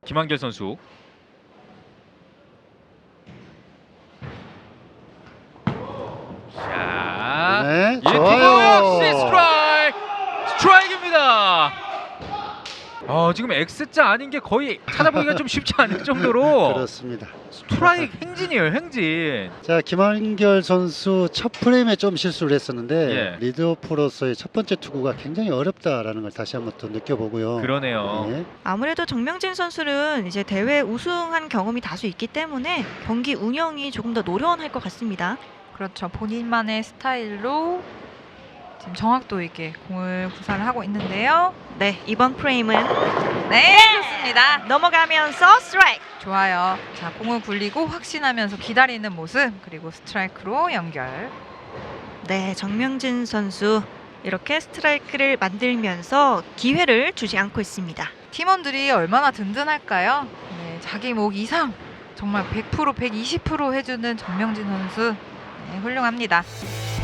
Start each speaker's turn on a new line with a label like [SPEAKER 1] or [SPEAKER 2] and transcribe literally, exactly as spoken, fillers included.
[SPEAKER 1] 김한결 선수. 자,
[SPEAKER 2] 네,
[SPEAKER 1] 이 투구
[SPEAKER 2] 좋아요.
[SPEAKER 1] 역시 스트라이크, 스트라이크입니다. 어, 지금 X자 아닌 게 거의 찾아보기가 좀 쉽지 않을 정도로
[SPEAKER 2] 그렇습니다.
[SPEAKER 1] 스트라이크 행진이에요, 행진.
[SPEAKER 2] 자, 김한결 선수 첫 프레임에 좀 실수를 했었는데
[SPEAKER 1] 예.
[SPEAKER 2] 리드오프로서의 첫 번째 투구가 굉장히 어렵다라는 걸 다시 한번 또 느껴보고요.
[SPEAKER 1] 그러네요.
[SPEAKER 2] 예.
[SPEAKER 3] 아무래도 정명진 선수는 이제 대회 우승한 경험이 다수 있기 때문에 경기 운영이 조금 더 노련할 것 같습니다.
[SPEAKER 4] 그렇죠. 본인만의 스타일로 지금 정확도 있게 공을 구사를 하고 있는데요.
[SPEAKER 3] 네, 이번 프레임은
[SPEAKER 4] 네, 좋습니다.
[SPEAKER 3] 넘어가면서 스트라이크.
[SPEAKER 4] 좋아요. 자, 공을 굴리고 확신하면서 기다리는 모습, 그리고 스트라이크로 연결.
[SPEAKER 3] 네, 정명진 선수 이렇게 스트라이크를 만들면서 기회를 주지 않고 있습니다.
[SPEAKER 4] 팀원들이 얼마나 든든할까요? 네, 자기 목 이상 정말 백 퍼센트 백이십 퍼센트 해주는 정명진 선수, 네, 훌륭합니다.